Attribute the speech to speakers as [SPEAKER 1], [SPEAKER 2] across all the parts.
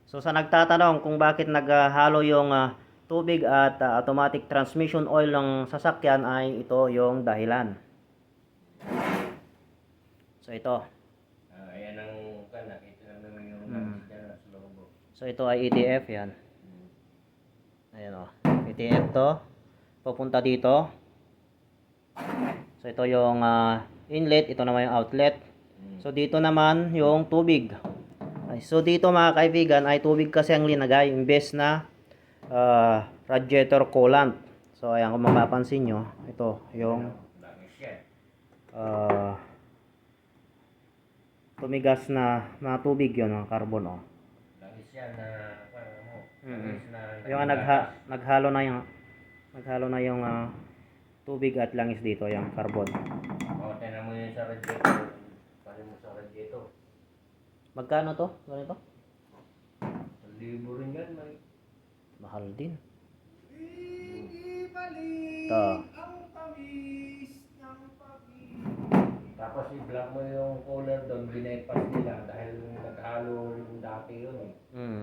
[SPEAKER 1] So sa nagtatanong kung bakit naghalo yung tubig at automatic transmission oil ng sasakyan ay ito yung dahilan. So ito.
[SPEAKER 2] Ayan ang nakita naman yung sa logo.
[SPEAKER 1] So ito ay ETF yan. Ayan o. ETF to. Pupunta dito. So ito yung inlet. Ito naman yung outlet. So dito naman yung tubig. So dito mga kaibigan ay tubig kasi ang linagay imbes na radiator coolant. So ayan kung mapapansin nyo, ito yung tumigas na tubig yun, ng carbon o.
[SPEAKER 2] Langis yan na
[SPEAKER 1] Yung naghalo na yung tubig at langis dito, yung carbon.
[SPEAKER 2] Tingnan mo yun sa radiator. Pali mo sa radiator.
[SPEAKER 1] Magkano to? Ganito?
[SPEAKER 2] 1,000 rin yan, may.
[SPEAKER 1] Mahal din. Ito.
[SPEAKER 2] Tapos i-block mo yung cooler doon, binaypas nila dahil naghalo rin dati yun eh.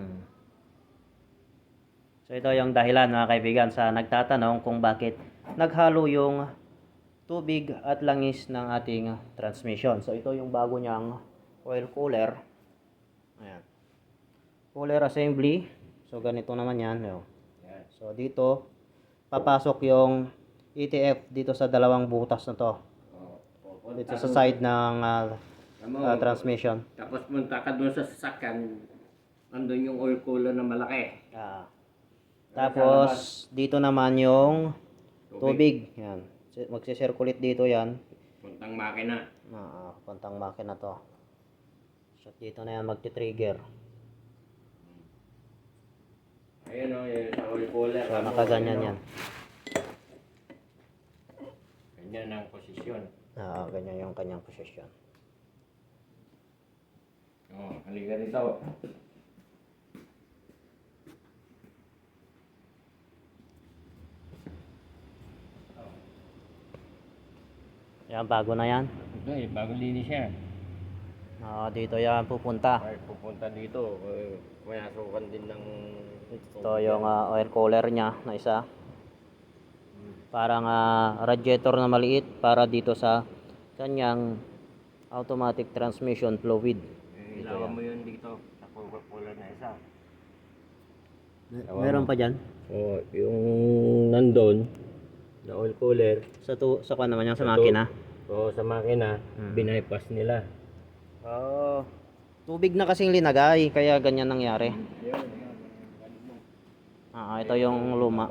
[SPEAKER 1] So ito yung dahilan mga kaibigan sa nagtatanong kung bakit naghalo yung tubig at langis ng ating transmission. So ito yung bago niyang oil cooler. Ayan. Cooler assembly. So ganito naman yan. So dito papasok yung ETF dito sa dalawang butas na to. Dito sa side ng transmission.
[SPEAKER 2] Tapos punta ka doon sa sasakyan, andun yung oil cooler na malaki.
[SPEAKER 1] Tapos dito naman yung tubig. Yan. Magsi-circulate dito yan.
[SPEAKER 2] Puntang makina.
[SPEAKER 1] Puntang makina to. So dito na yan magti-trigger.
[SPEAKER 2] Ayun o, yung oil cooler.
[SPEAKER 1] So nakaganyan yan.
[SPEAKER 2] Ganyan ang posisyon.
[SPEAKER 1] Ganyan yung kanyang posisyon.
[SPEAKER 2] Halika dito.
[SPEAKER 1] Yan, bago na yan.
[SPEAKER 2] Okay, bagong linis yan.
[SPEAKER 1] Dito yan pupunta.
[SPEAKER 2] Ay, pupunta dito. Mayasukan din ng...
[SPEAKER 1] Ito yung oil cooler niya na isa. Parang radiator na maliit para dito sa kanyang automatic transmission fluid.
[SPEAKER 2] Ilawan mo yun dito sa cooler na isa.
[SPEAKER 1] Meron pa dyan?
[SPEAKER 2] Oo, yung nandun na oil cooler.
[SPEAKER 1] Sa kwan naman yan, sa makina?
[SPEAKER 2] Oo, sa makina, binaypas nila.
[SPEAKER 1] Tubig na kasing linagay, kaya ganyan nangyari. Ito yung luma.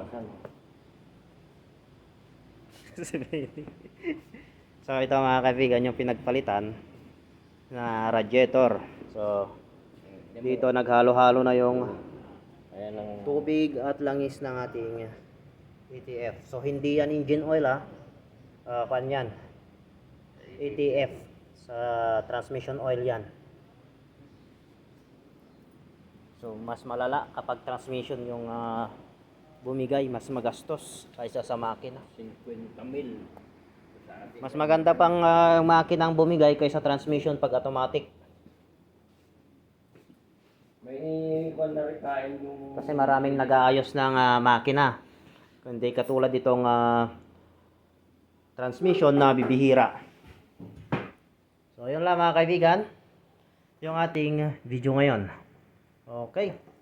[SPEAKER 1] So ito mga kaibigan yung pinagpalitan na radiator. So dito naghalo-halo na yung tubig at langis ng ating ETF. So hindi yan engine oil yan. ETF sa transmission oil yan. So mas malala kapag transmission yung bumigay, mas magastos kaysa sa makina.
[SPEAKER 2] 50,000.
[SPEAKER 1] Mas maganda pang makina ang bumigay kaysa transmission pag automatic.
[SPEAKER 2] May ikuan na rin kain yung...
[SPEAKER 1] Kasi maraming nag-aayos ng makina. Kundi katulad itong transmission na bibihira. So yun lang mga kaibigan, yung ating video ngayon. Okay.